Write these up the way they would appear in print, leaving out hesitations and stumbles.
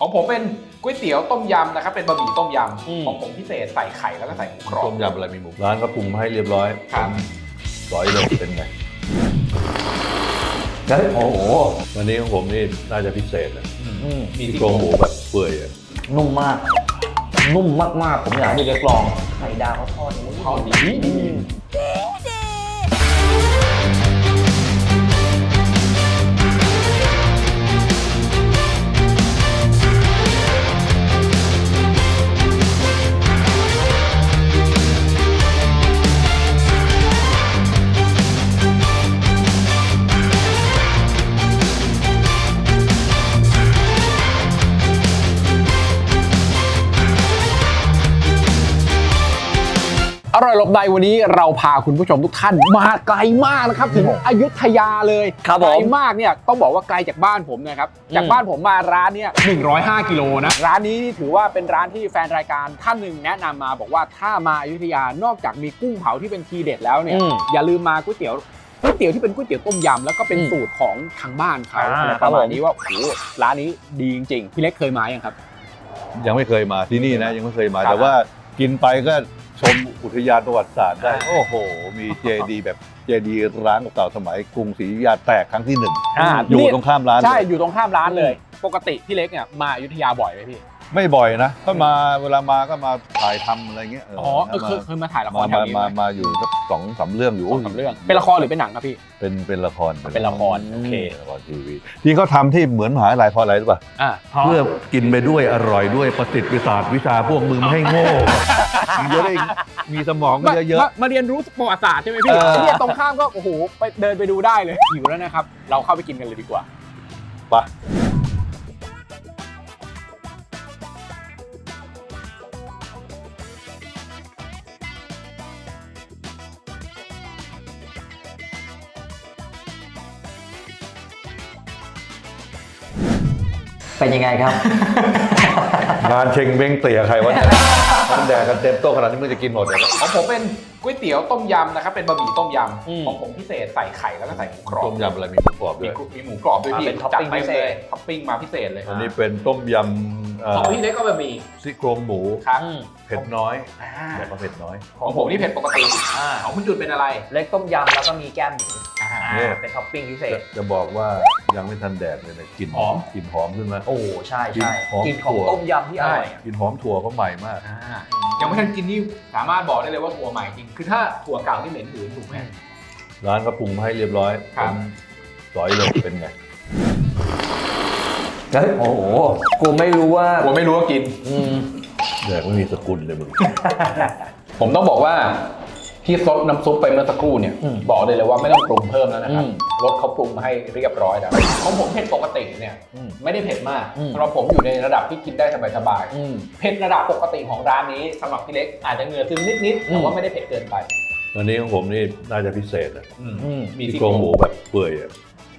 ของผมเป็นก๋วยเตี๋ยวต้มยำนะครับเป็นบะหมี่ต้มยำของผมพิเศษใส่ไข่แล้วก็ใส่หมูกรอบต้มยำอะไรมีหมูร้านก็ปรุงมาให้เรียบร้อยครับร้อยเลยเป็นไงโอ้โหวันนี้ของผมนี่น่าจะพิเศษเลยมีที่ที่โครงหมูแบบเปื่อยอะนุ่มมาก นุ่มมากๆผมอยากให้พี่เล็กลองไข่ดาวเขาทอดอย่างนี้ทอดดี อร่อยหลบใดวันนี้เราพาคุณผู้ชมทุกท่านมาไกลมากนะครับถึงอยุธยาเลยไกลมากเนี่ยต้องบอกว่าไกลจากบ้านผมนะครับจากบ้านผมมาร้านเนี่ย105กิโลนะร้านนี้ถือว่าเป็นร้านที่แฟนรายการท่านหนึ่งแนะนำมาบอกว่าถ้ามาอยุธยานอกจากมีกุ้งเผาที่เป็นทีเด็ดแล้วเนี่ยอย่าลืมมาก๋วยเตี๋ยวที่เป็นก๋วยเตี๋ยวต้มยำแล้วก็เป็นสูตรของทางบ้านเขาประมาณนี้ว่าโอ้โหร้านนี้ดีจริงๆพี่เล็กเคยมายังครับยังไม่เคยมาที่นี่นะยังไม่เคยมาแต่ว่ากินไปก็ชมอุทยานประวัติศาสตร์ได้โอ้โหมีเจดีแบบเจดีร้างเก่าสมัยกรุงศรีอยุธยาแตกครั้งที่1อยู่ตรงข้ามร้านใช่อยู่ตรงข้ามร้านเลยปกติพี่เล็กเนี่ยมาอยุธยาบ่อยไหมพี่ไม่บ่อยนะก็มาเวลามาก็มาถ่ายทำอะไรเงี้ยเคยมาถ่ายละครแถวนี้มาอยู่สัก2-3 เรื่องอยู่ 2-3 เรื่องเป็นละครหรือเป็นหนังครับพี่เป็นละครเป็นละครโอเคละครทีวีที่เขาทำที่เหมือนมหาวิทยาลัยเพราะอะไรรู้ป่ะเพื่อกินไปด้วยอร่อยด้วยประสิทธิ์วิชาวิชาพวกมึงไม่ให้โง่มึงจะได้มีสมองเยอะๆมาเรียนรู้ประวัติศาสตร์ใช่ไหมพี่ที่ตรงข้ามก็โอ้โหไปเดินไปดูได้เลยหิวแล้วนะครับเราเข้าไปกินกันเลยดีกว่าไปเป็นยังไงครับงานเชงเบ้งเตี่ยใครวะเนี่ยมันแดกกันเต็มโต๊ะขนาดนี้มึงจะกินหมดเลยของผมเป็นก๋วยเตี๋ยวต้มยำนะครับเป็นบะหมี่ต้มยำของผมพิเศษใส่ไข่แล้วก็ใส่หมูกรอบต้มยำอะไรมีหมูกรอบด้วยมีหมูกรอบด้วยพี่เป็นท็อปปิ้งพิเศษท็อปปิ้งมาพิเศษเลยอันนี้เป็นต้มยำของพี่เล็กก็บะหมี่ซี่โครงหมูครับเผ็ดน้อยแบบเผ็ดน้อยของผมนี่เผ็ดปกติของคุณจุดเป็นอะไรเล็กต้มยำแล้วก็มีแก้มหมูเป็นท็อปปิ้งพิเศษจะบอกว่ายังไม่ทันแดดเลยกลิ่นหอมขึ้นมาโอ้ใช่กลิ่นของต้มยำที่อร่อยกลิ่นหอมถั่วเขาใหม่มากยังไม่ทันกินนี่สามารถบอกได้เลยว่าถั่วใหม่จริงคือถ้าถั่วเก่าที่เหม็นหืนถูกไหมร้านก็ปรุงมาให้เรียบร้อยร้อยเลยเป็นไงโอ้โหกูไม่รู้ว่ากินแดกไม่มีสกุลเลยมึงผมต้องบอกว่าที่ซดน้ำซุปไปเมื่อสักครู่เนี่ยบอกเลยว่าไม่ต้องปรุงเพิ่มแล้วนะครับรสเขาปรุงมาให้เรียบร้อยแล้วของผมเผ็ดปกติเนี่ยไม่ได้เผ็ดมากสำหรับผมอยู่ในระดับที่กินได้สบายๆเผ็ดระดับปกติของร้านนี้สำหรับพี่เล็กอาจจะเหงื่อซึมนิดๆแต่ว่าไม่ได้เผ็ดเกินไปวันนี้ของผมนี่น่าจะพิเศษนะมีที่โครงหมูแบบเปื่อยอ่ะ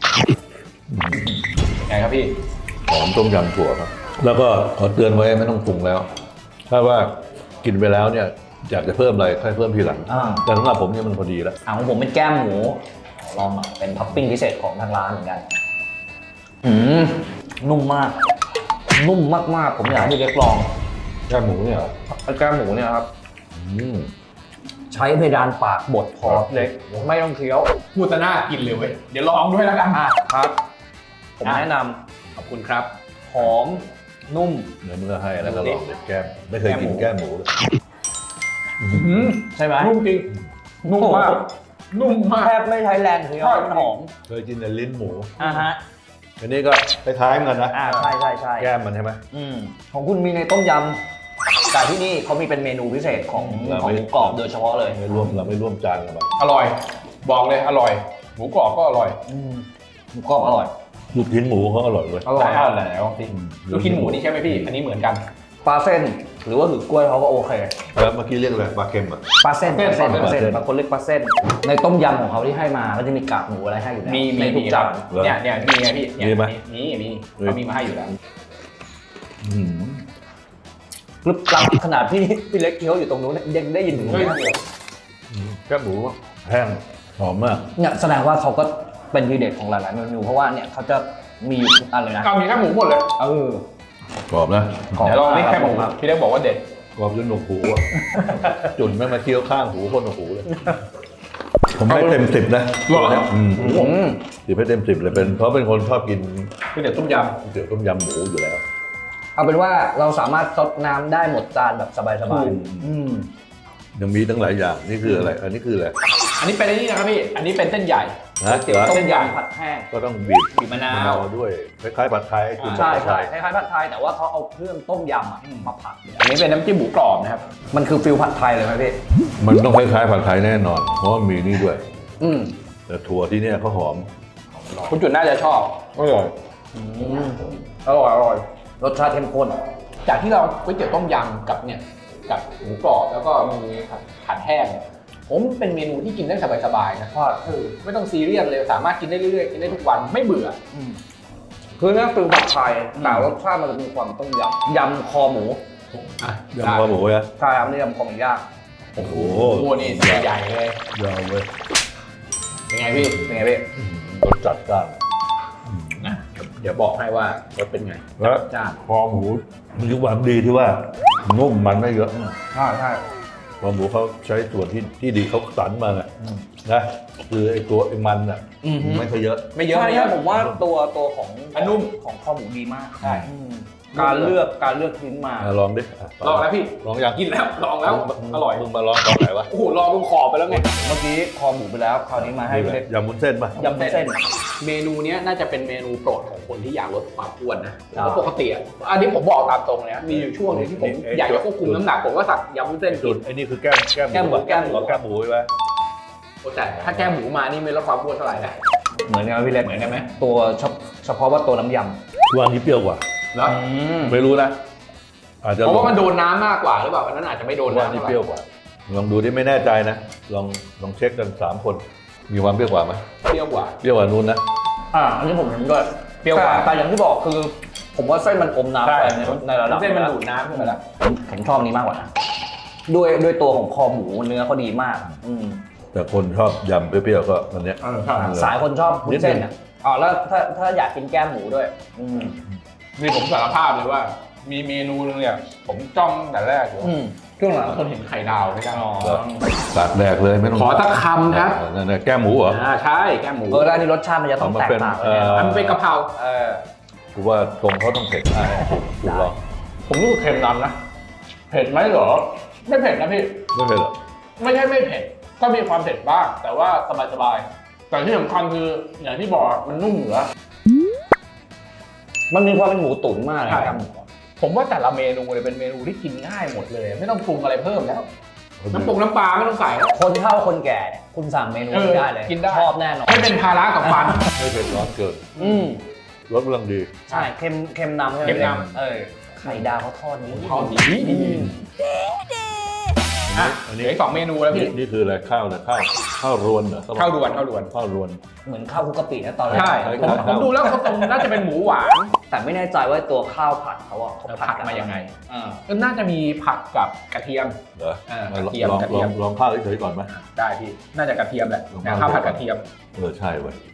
ไงครับพี่หอมต้มยำถั่วครับแล้วก็ขอเตือนไว้ไม่ต้องปรุงแล้วถ้าว่ากินไปแล้วเนี่ยอยากจะเพิ่มอะไรค่อยเพิ่มทีหลังแต่สำหรับผมเนี่ยมันพอดีแล้วของผมเป็นแก้มหมูลองเป็นท็อปปิ้งพิเศษของทางร้านเหมือนกันนุ่มมากผมอยากให้พี่เล็กลองแก้มหมูเนี่ยแก้มหมูเนี่ยครับใช้เพดานปากบดพอเล็กไม่ต้องเคี้ยวพูดแต่หน้ากินเลยเว้ยเดี๋ยวลองด้วยแล้วกันครับผมแนะนำขอบคุณครับหอมนุ่มเนื้อเมื่อให้แล้วก็ลองแก้มไม่เคยกินแก้มหมูเลยใช่ไหมนุ่มจริงนุ่มมากแทบไม่ใช้แรงเคี้ยวมันหอมเคยกินแต่ลิ้นหมูฮะอันนี้ก็คล้ายๆกันนะใช่แก้มมันใช่ไหมของคุณมีในต้มยำแต่ที่นี่เขามีเป็นเมนูพิเศษของหมูกรอบโดยเฉพาะเลยเราไม่ร่วมจานกันแบบอร่อยบอกเลยอร่อยหมูกรอบก็อร่อยหมูกรอบอร่อยลูกชิ้นหมูเขาอร่อยเลยอร่อยแล้วลูกชิ้นหมูนี่ใช่ไหมพี่อันนี้เหมือนกันปลาเส้นหรือว่าหือกล้วยเขาก็โอเคแล้วเมื่อกี้เรียกอะไรปลาเค็มอ่ะปลาเส้นบางคนเรียกปลาเส้นในต้มยำของเขาที่ให้มาก็จะมีกากหมูอะไรให้อยู่แล้วมีทุกจานเนี่ยมีไงพี่มีไหมมีเขามีมาให้อยู่แล้วกรึบกรับขนาดพี่เล็กเคี้ยวอยู่ตรงนู้นยังได้ยินถึงแก้มหมูแห้งหอมมากเนี่ยแสดงว่าเขาก็เป็นทีเด็ดของหลายๆเมนูเพราะว่าเนี่ยเขาจะมีอยู่ทุกอันเลยนะมีแค่หมูหมดเลยกรอบนะเดี๋ยวลองนี่แค่หมูพี่เล็กบอกว่าเด็ดกรอบจนหนวกหูอ่ะ จุ่นแม่งมาเคี้ยวข้างหูคนหนวกหูเลย ผมให้เต็ม10นะหรอ 10ให้เต็ม10เลยเพราะเป็นคนชอบกินก๋วยเตี๋ยวต้มยก๋วยเตี๋ยวต้มยำหมูอยู่แล้วเอาเป็นว่าเราสามารถซดน้ำได้หมดจานแบบสบายยังมีตั้งหลายอย่างนี่คืออะไร อันนี้คืออะไรำอันนี้เป็นนี่นะครับพี่อันนี้เป็นเส้นใหญ่นะๆเตี๋ยวต้มยำผัดแห้งก็ต้องบีบบีบมะนาวด้วยคล้ายๆผัดไทยคุณใช่ผัดไทใช่ยคล้ายๆผัดไทยแต่ว่าเขาเอาเครื่องต้มยำอะมาผัดอันนี้เป็นน้ำจิ้มหมูกรอบนะครับมันคือฟิลผัดไทยเลยไหมพี่มันต้องคล้ายๆผัดไทยแน่นอน เพราะว่ามีนี่ด้วยอืมแต่ถั่วที่เนี่ยเขาหอมคุณจุดน่าจะชอบอร่อยอร่อยรสชาติเข้มข้นจากที่เราก๋วยเตี๋ยวต้มยำกับเนี่ยกับหมูกรอบแล้วก็มีผัดแห้งเนี่ยผมเป็นเมนูที่กินได้สบายๆนะเพราะไม่ต้องซีเรียสเลยสามารถกินได้เรื่อยๆกินได้ทุกวันไม่เบื่อคือเนี่ยฟิลผัดไทยแต่รสชาติมันจะมีความต้มยำยำคอหมูยำคอหมูนะใช่ครับนี่ยำคอหมูย่างโอ้โหโอ้โหนี่ใหญ่เลยยาวเว้ยเป็นไงพี่เป็นไงพี่รสจัดจ้านนะเดี๋ยวบอกให้ว่ารสเป็นไงและจ้านคอหมูมีความดีที่ว่านุ่มมันไม่เยอะใช่ใช่คอหมูเขาใช้ส่วนที่ดีเขาสันมาไงนะคือไอ้ตัวไอ้มันอ่ะไม่ค่อยเยอะไม่เยอะใช่ไม่เยใช่อะผมว่าตัวของอันนุ่มของคอหมูดีมากใช่การเลือกชิ้นมาลองดิลองแล้วพี่ลองยังกินแล้วลองแล้วอร่อยมึงมาลองตอนไหนวะโอ้โหลองตรงขอบไปแล้วไงเมื่อกี้คอหมูไปแล้วคราวนี้มาให้พี่เล็กยำวุ้นเส้นป่ะยำวุ้นเส้นเมนูเนี้ยน่าจะเป็นเมนูโปรดของคนที่อยากลดความอ้วนนะครับเพราะปกติอ่ะอันนี้ผมบอกตามตรงเลยนะมีอยู่ช่วงหนึงที่ผมอยากจะควบคุมน้ำหนักผมก็สั่งยำวุ้นเส้นจุกิดนไอ้นี่คือแก้มแก้มหมูแก้มหมูใช่ไหมโอ้แต่ถ้าแก้หมูมานี่ไม่ลดความอ้วนเท่าไหร่นะเหมือนกันไหมพี่เล็กเหมือนกันไหมตัวเฉพาะว่าตัวน้ำยวันนี้เปรี้ยวกว่าแล้วไม่รู้นะ อาจจะเพราะว่ามันโดนน้ำมากกว่าหรือเปล่าอันนั้นอาจจะไม่โดนวันน้ำนี้เท่าไหเปรี้ยวร่กว่า ลองดูที่ไม่แน่ใจนะ ลองเช็คกัน3คนมีความเปรี้ยวกว่าไหมเปรี้ยวกว่าเปรี้ยวกว่านู้นนะำอันนี้ผมเห็นด้วยเปรี้ยวกว่าแต่อย่างที่บอกคือ ผมว่าเส้นมันอมน้ำไปในระดับเส้นมันดูดน้ำขึ้นมาแล้วผมชอบนี้มากกว่านะด้วยตัวของคอหมูเนื้อเขาดีมากแต่คนชอบยำเปรี้ยวๆก็อันเนี้ยสายคนชอบวุ้นเส้นอ่ะอ๋อแล้วถ้าอยากกินแก้มหมูด้วยนี่ผมสารภาพเลยว่า มีเมนูนึงเนี่ยผมจ้องแต่แรกอยู่ช่วงหลังคนเห็นไข่ดาวไหมครับตัดแดกเลยไม่ต้องขอสักคำครับนั่นแก้มหมูเหรอใช่แก้หมูแล้วอันนี้รสชาติมันจะต้องแตกต่างกันแน่นอนมันเป็นกะเพรากูว่าตรงเขาต้องเผ็ดกูลองผมรู้สึกเค็มนำนะเผ็ดไหมเหรอไม่เผ็ดนะพี่ไม่เผ็ดหรอไม่ใช่ไม่เผ็ดก็มีความเผ็ดบ้างแต่ว่าสบายๆแต่ที่สำคัญคืออย่างที่บอกมันนุ่มเหนือมันมีความเป็นหมูตุ๋นมากเลยใช่ครับผมว่าแต่ละเมนูเลยเป็นเมนูที่กินง่ายหมดเลย ไม่ต้องปรุงอะไรเพิ่มแล้วน้ำปรุงน้ำปลาไม่ต้องใส่แล้วคนเฒ่าคนแก่เนี่ยคุณสั่งเมนูนี้ได้เลยกินได้ชอบแน่นอนไม่เป็นภาระกับฟันไม่เผ็ดร้อนเกินรสกำลังดีใช่เค็มนำใช่ไหมเค็มนำไข่ดาวเขาทอดนี้เขาดีอ่ะอันเหนี้ลืออีก2 เมนูแล้วพี่นี่คืออะไรข้าวนะข้าวรวนเหรอข้าวด่วนข้าวรวนเหมือนข้าวคลุกกะปินะตอนแรกใช่ผมดูแล้วเขาตรงน่าจะเป็นหมูหวานแต่ไม่แน่ใจว่าตัวข้าวผัดเขาอะเขาผัดมายังไงอ่าก็น่าจะมีผัดกับกระเทียมเหรอกระเทียมลองข้าวเฉยๆก่อนไหมได้พี่น่าจะกระเทียมแหละข้าวผัดกระเทียมใช่เว้ย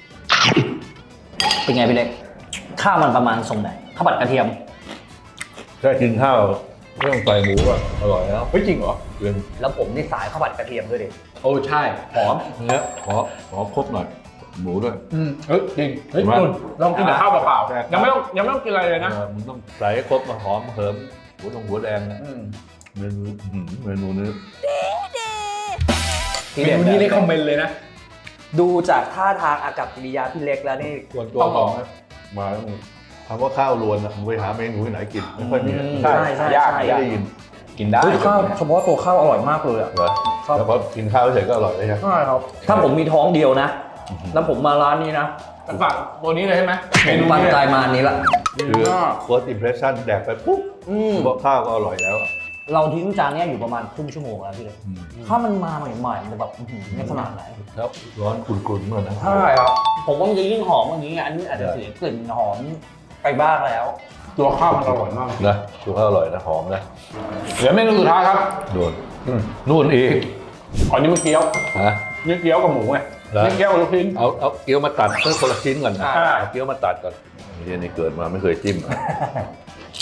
เป็นไงพี่เล็กข้าวมันประมาณทรงไหนข้าวผัดกระเทียมแค่กินข้าวไม่ต้องใส่หมูก็อร่อยแล้วเฮ้ยจริงเหรอเรื่องแล้วผมนี่สายข้าวผัดกระเทียมด้วยดิโอ้ใช่หอมเนี้ยขอครบหน่อยหมูด้วยเฮ้ยจริงเฮ้ยมาคุณลองกินแต่ข้าวเปล่าใช่ๆยังไม่ต้องกินอะไรเลยนะมึงต้องใส่ให้ครบมาหอมเหิมหัวแดงนะอืมเมนูนี้เมนูนี้เลยคอมเมนต์เลยนะดูจากท่าทางอากับกิริยาพี่เล็กแล้วนี่ส่วนตัวของมาแล้วมึงคำว่าข้าวรวนนะมึงไปหาเมนูที่ไหนกินไม่ค่อยมีใช่ไม่ได้ยินกินได้ข้าวเฉพาะตัวข้าวอร่อยมากเลยอะเหรอแล้วพอกินข้าวเฉยก็อร่อยเลยใช่ไหมใช่ครับถ้าผมมีท้องเดียวนะ แล้วผมมาร้านนี้นะฝากตัวนี้เลยใช่ไหมผมปันใจมาอันนี้ละคือ first impression แดกไปปุ๊บเพราะข้าวก็อร่อยแล้วเราทิ้งจานเนี้ยอยู่ประมาณครึ่งชั่วโมงแล้วพี่เล็กถ้ามันมาใหม่ๆมันจะแบบไม่ขนาดไหนแล้วร้อนกุ่นๆเหมือนนะใช่ครับผมว่ามันจะยิ่งหอมอย่างนี้อันนี้อาจจะเสียกลิ่นหอมไปบ้างแล้วตัวข้าวมันอร่อยมากนะตัวข้าวอร่อยนะหอมนะเหลือเมนูสุดท้ายครับโดนนู่นอีกอันนี้มันเกี๊ยวฮะนี่เกี๊ยวกับหมูไงเหรอนี่เกี๊ยวกับลูกชิ้นเอาเกี๊ยวมาตัดเพื่อคนละชิ้นก่อนนะอ่าเอาเกี๊ยวมาตัดก่อนนี่เกิดมาไม่เคยจิ้ม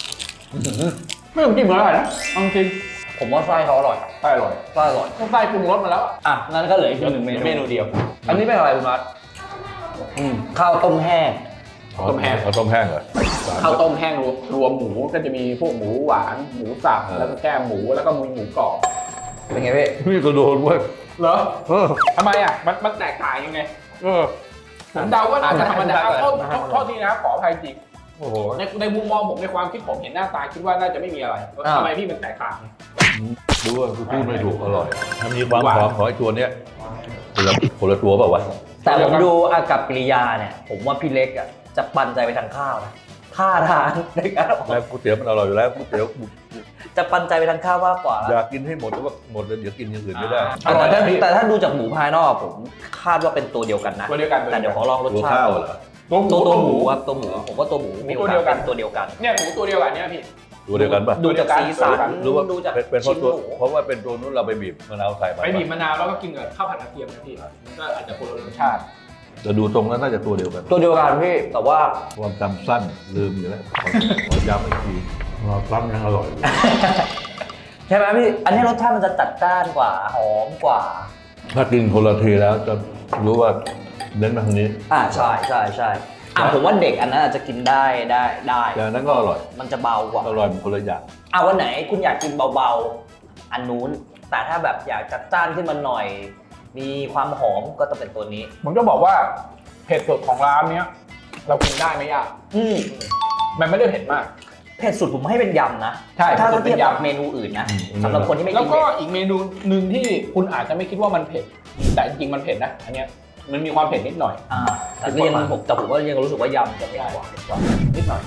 ไม่ต้องกินเหมือนอะไรนะเอาจริงผมว่าไส้เขาอร่อยไส้อร่อยไส้อร่อยไส้ปรุงรสมาแล้วอ่ะงั้นก็เหลืออีกหนึ่งเมนูเมนูเดียวอันนี้เป็นอะไรคุณนัทข้าวต้มแห้งต้มแห้งเอาต้มแห้งเหรอข้าวต้มแห้งรวมหมูก็จะมีพวกหมูหวานหมูสับแล้วก็แก้มหมูแล้วก็มีหมูกรอบเป็นไงพี่นี่ก็โดนเว้ยเหรอทำไมอ่ะมันแตกต่างยังไงผมเดาว่าน่าจะธรรมดาโทษทีนะครับขออภัยจริงโอ้โหในมุมมองผมในความคิดผมเห็นหน้าตาคิดว่าน่าจะไม่มีอะไรทำไมพี่มันแตกต่างดูว่าพูดไม่ถูกอร่อยถ้ามีความหอมของไอ้ตัวเนี้ยคนละตัวเปล่าวะแต่ผมดูอากับกิริยาเนี่ยผมว่าพี่เล็กอ่ะจะปันใจไปทางข้าวนะท่าทางในการออกแล้วก๋วยเตี๋ยวมันอร่อยอยู่แล้วก๋วยเตี๋ยวจะปันใจไปทางข้าวมากกว่าอยากกินให้หมดแต่ว่าหมดแล้วเดี๋ยวกินอย่างอื่นไม่ได้แต่ถ้าดูจากหมูภายนอกผมคาดว่าเป็นตัวเดียวกันนะตัวเดียวกันแต่เดี๋ยวขอลองรสตัวชาข้าติวเหรอตัวหมูครับตัวหมูผมว่าตัวหมูมีโอกาสเป็นตัวเดียวกันเนี่ยหมูตัวเดียวกันเนี่ยพี่ตัวเดียวกันป่ะดูจากสีสันหรือว่าดูจากเป็นเพชิ้ราะนตัวหมูเพราะว่าเป็นตัวนู้นเราไปบีบมะนาวใส่ไปไปบีบมะนาวแล้วก็กินกับข้าวผัดกระเทียมนะพี่มันก็อาจจะคนละรสชาติจะดูตรงนั้นน่าจะตัวเดียวกันตัวเดียวกันพี่แต่ว่าความจำสั้นลืมอยู่แล้วขอย้ำอีกทีซ้ำยังอร่อยใช่ไหมพี่อันนี้รสชาติมันจะจัดจ้านกว่าหอมกว่าถ้ากินคนละทีแล้วจะรู้ว่าเน้นมาทางนี้ใช่ผมว่าเด็กอันนั้นอาจจะกินได้แต่อันนั้นก็อร่อยมันจะเบากว่าอร่อยเป็นคนละอย่างวันไหนคุณอยากกินเบาๆอันนู้นแต่ถ้าแบบอยากจัดจ้านขึ้นมาหน่อย มีความหอมก็ต้องเป็นตัวนี้ผมจะบอกว่าเผ็ดสุดของร้านเนี้ยเรากินได้ไม่ยากมันไม่ได้เผ็ดมากเผ็ดสุดผมให้เป็นยำนะใช่ถ้าเผ็ดสุดเทียบกับเป็นยำเมนูอื่นนะสำหรับคนที่ไม่แล้กิวน ก็เผ็ดอีกเมนูหนึ่งที่คุณอาจจะไม่คิดว่ามันเผ็ดแต่จริงๆมันเผ็ดนะอันเนี้ยมันมีความเผ็ดนิดหน่อยแต่ก็ยังผมว่ายังรู้สึกว่ายำจะเผ็ดกว่านิดหน่อย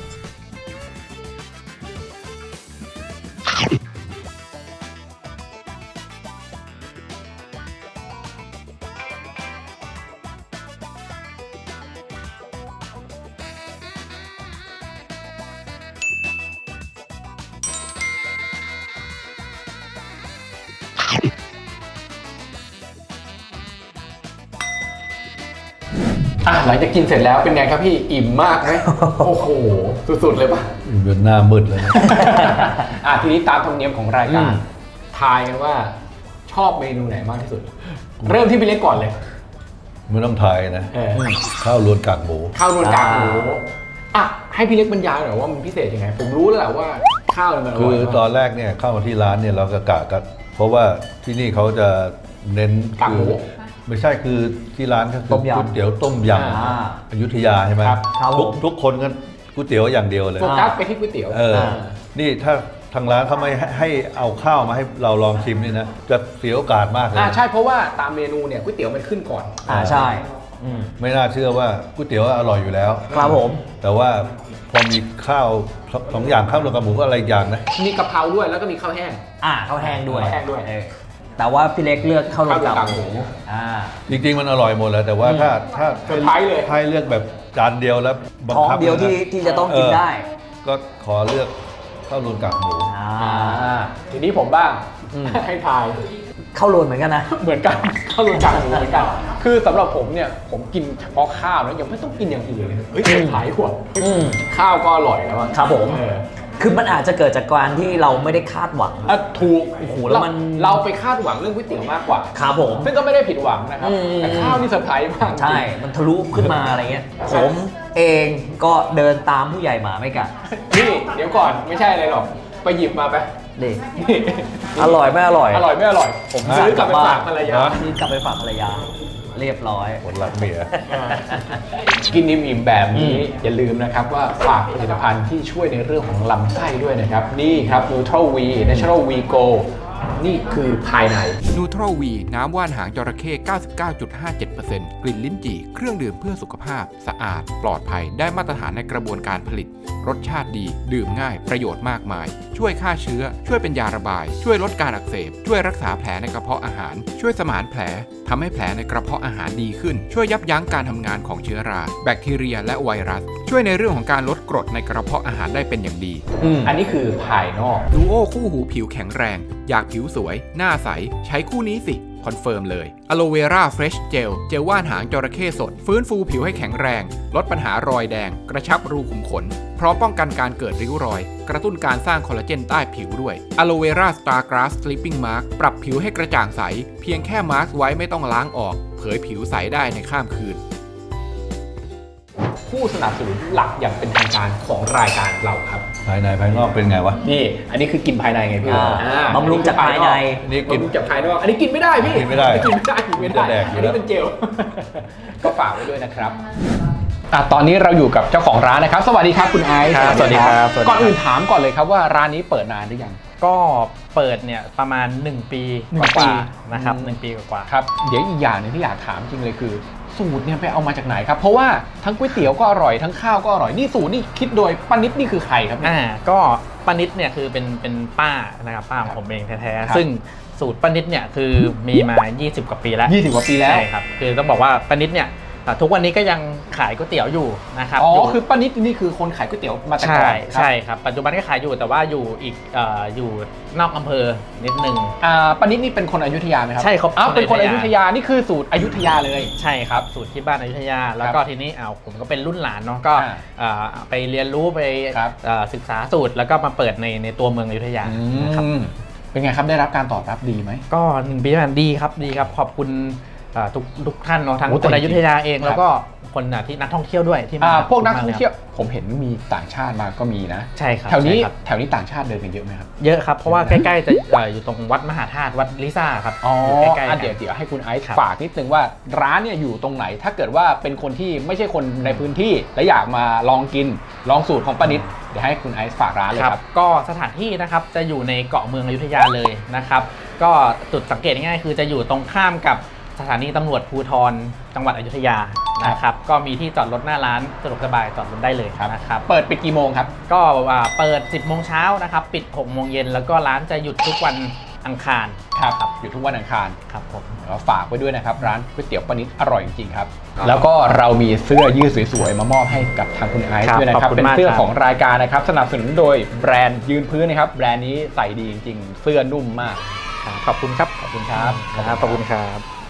หลังจากกินเสร็จแล้วเป็นไงครับพี่อิ่มมากไหม โอ้โหสุดๆเลยป่ะเป็นหน้ามืดเลยนะทีนี้ตามธรรมเนียมของรายการทายกันว่าชอบเมนูไหนมากที่สุด เริ่มที่พี่เล็กก่อนเลยไม่ต้องทายนะ ข้าวรวนกากหมูข้าวรวนกากหมูให้พี่เล็กบรรยายหน่อยว่ามันพิเศษยังไงผมรู้แล้วแหละว่าข้าวมันอร่อยคือตอนแรกเนี่ยเข้ามาที่ร้านเนี่ยเราก็กะกันเพราะว่าที่นี่เขาจะเน้นกากหมูไม่ใช่คือที่ร้านก็คือก๋วยเตี๋ยวต้มยำอยุธยาใช่ไหมครับทุกคนก็ก๋วยเตี๋ยวอย่างเดียวเลยโฟกัสไปที่ก๋วยเตี๋ยวนี่ถ้าทางร้านเขาไม่ให้เอาข้าวมาให้เราลองชิมนี่นะจะเสียโอกาสมากเลยใช่เพราะว่าตามเมนูเนี่ยก๋วยเตี๋ยวมันขึ้นก่อนใช่ไม่น่าเชื่อว่าก๋วยเตี๋ยวอร่อยอยู่แล้วครับผมแต่ว่าพอมีข้าวสองอย่างข้าวรวมกับหมูก็อะไรอีกอย่างนะมีกะเพราด้วยแล้วก็มีข้าวแห้งข้าวแห้งด้วยข้าวแห้งด้วยแต่ว่าพี่เล็กเลือกข้าวรวนกากหมูจริงๆมันอร่อยหมดแหล้วแต่ว่าถ้าเซอร์ไพรส์เลยให้เลือกแบบจานเดียวแล้วบังท้องคับเดียวนะที่จะต้องกินได้ก็ขอเลือกข้าวรวนกากหมูทีนี้ผมบ้างให้ทายข้าวรวนเหมือนกันนะเหมือนกันข้าวรวนกากหมูเหมือนกันคือสำหรับผมเนี่ยผมกินเฉพาะข้าวนะยังไม่ต้องกินอย่างอื่นเลยเฮ้ยขายหัวข้าวก็อร่อยแล้วครับผม คือมันอาจจะเกิดจากการที่เราไม่ได้คาดหวังถูกโอ้โหแล้วมันเราไปคาดหวังเรื่องก๋วยเตี๋ยวมากกว่าครับผมซึ่งก็ไม่ได้ผิดหวังนะครับแต่ข้าวนี่เซอร์ไพรส์มากใช่ มันทะลุขึ้นมาอะไรเงี้ย ผมเองก็เดินตามผู้ใหญ่หมาไม่กัดนี่เดี๋ยวก่อนไม่ใช่อะไรหรอกไปหยิบมาไปนี่อร่อยไม่อร่อยอร่อยไม่อร่อยผมซื้อกลับไปฝากภรรยาซื้อกลับไปฝากภรรยา เรียบร้อยคนรักเมียกินอิ่มๆแบบนี้อย่าลืมนะครับว่าฝากผลิตภัณฑ์ที่ช่วยในเรื่องของลำไส้ด้วยนะครับนี่ครับ Neutral V Natural V Go นี่คือภายใน Neutral V น้ำว่านหางจระเข้ 99.57% กลิ่นลิ้นจี่เครื่องดื่มเพื่อสุขภาพสะอาดปลอดภัยได้มาตรฐานในกระบวนการผลิตรสชาติดีดื่มง่ายประโยชน์มากมายช่วยฆ่าเชื้อช่วยเป็นยาระบายช่วยลดการอักเสบช่วยรักษาแผลในกระเพาะอาหารช่วยสมานแผลทำให้แผลในกระเพาะอาหารดีขึ้นช่วยยับยั้งการทำงานของเชื้อราแบคทีเรียและไวรัสช่วยในเรื่องของการลดกรดในกระเพาะอาหารได้เป็นอย่างดีอันนี้คือภายนอกดูโอคู่หูผิวแข็งแรงอยากผิวสวยหน้าใสใช้คู่นี้สิคอนเฟิร์มเลย Aloe Vera Fresh Gel เจลว่านหางจระเข้สดฟื้นฟูผิวให้แข็งแรงลดปัญหารอยแดงกระชับรูขุมขนพร้อมป้องกันการเกิดริ้วรอยกระตุ้นการสร้างคอลลาเจนใต้ผิวด้วย Aloe Vera Star Grass Sleeping Mask ปรับผิวให้กระจ่างใสเพียงแค่มาร์กไว้ไม่ต้องล้างออกเผยผิวใสได้ในข้ามคืนผู้สนับสนุนหลักอย่างเป็นทางการของรายการเราครับภายในภายนอกเป็นไงวะนี่อันนี้คือกินภายในไงพี่บำรุงจากภายในนี่กินบำรุงจากภายนอกอันนี้กินไม่ได้พี่กินไม่ได้กินไม่ได้กินไม่ได้จะแดกอยู่อันแล้นี้วเป็นเจล ก็ฝากไว้ด้วยนะครับตอนนี้เราอยู่กับเจ้าของร้านนะครับ สวัสดีครับคุณไอซ์ครับสวัสดีครับก่อนอื่นถามก่อนเลยครับว่าร้านนี้เปิดนานหรือยังก็เปิดเนี่ยประมาณ1 ปีหนึ่งกปีว่าๆนะครับ1 ปีกว่าๆครับเดี๋ยวอีกอย่างหนึงที่อยากถามจริงเลยคือ สูตรเนี่ยไปเอามาจากไหนครับเพราะว่าทั้งก๋วยเตี๋ยวก็อร่อยทั้งข้าวก็อร่อยนี่สูตรนี่คิดโดยป้านิดนี่คือใครครับเนี่ยก็ป้านิดเนี่ยคือเป็นป้านะครับป้าของผมเองแท้ครับๆซึ่งสูตรป้านิดเนี่ยคือมีมา 20 กว่าปีแล้ว 20 กว่าปีแล้วใช่ครับคือต้องบอกว่าป้านิดเนี่ยทุกวันนี้ก็ยังขายก๋วยเตี๋ยวอยู่นะครับอ๋อยู่คือป้านิดนี่คือคนขายก๋วยเตี๋ยวมาแต่ก่อนครับใช่ครับปัจจุบันก็ขายอยู่แต่ว่าอยู่อีกอยู่นอกอำเภอนิดนึงป้านิดนี่เป็นคนอยุธยาไหมครับใช่ครับอ้าวเป็นคนคนออยุยุธธยายานี่คือสูตรอยุธยาเลยใช่ครับสูตรที่บ้านอยุธยาแล้วก็ทีนี้ผมก็เป็นรุ่นหลานเนาะก็ไปเรียนรู้ไปครับศึกษาสูตรแล้วก็มาเปิดในตัวเมืองอยุธยานะครับเป็นไงครับได้รับการตอบรับดีไหมก็1 ปีผ่านดีครับขอบคุณทุกท่านเนาะทั้งโอ้แต่คนอยุธยาเองครับแล้วก็คนที่นักท่องเที่ยวด้วยที่มาพวกนักท่องเที่ยวผมเห็นมีต่างชาติมาก็มีนะใช่ครับแถวนี้ใช่ครับแถวนี้ต่างชาติเดินกันเยอะไหมครับเยอะครับเพราะว่าใกล้ๆจะอยู่ตรงวัดมหาธาตุวัดลิซ่าครับอ๋ออยู่ใกล้ๆกันเดี๋ยวให้คุณไอซ์ครับฝากนิดนึงว่าร้านเนี่ยอยู่ตรงไหน ถ้าเกิดว่าเป็นคนที่ไม่ใช่คนในพื้นที่และอยากมาลองกินลองสูตรของป้านิดเดี๋ยวให้คุณไอซ์ฝากร้านเลยครับก็สถานที่นะครับจะอยู่ในเกาะเมืองอยุธยาเลยนะครับก็จุดสังเกตง่ายๆคือจะอยู่ตรงข้ามกับสถานีตำรวจภูธรจังหวัดอยุธยานะครับก็มีที่จอดรถหน้าร้านสะดวกสบายจอดรถได้เลยนะครับเปิดปิดกี่โมงครับก็เปิด 10 โมงเช้านะครับปิด 6 โมงเย็นแล้วก็ร้านจะหยุดทุกวันอังคารอยู่ทุกวันอังคารครับผมก็ฝากไว้ด้วยนะครับร้านก๋วยเตี๋ยวป้านิดอร่อยจริงๆครับแล้วก็เรามีเสื้อยืดสวยๆมามอบให้กับทางคุณไอซ์ด้วยนะครับเป็นเสื้อของรายการนะครับสนับสนุนโดยแบรนด์ยืนพื้นนะครับแบรนด์นี้ใส่ดีจริงๆเสื้อนุ่มมากขอบคุณครับขอบคุณครับขอบคุณครับ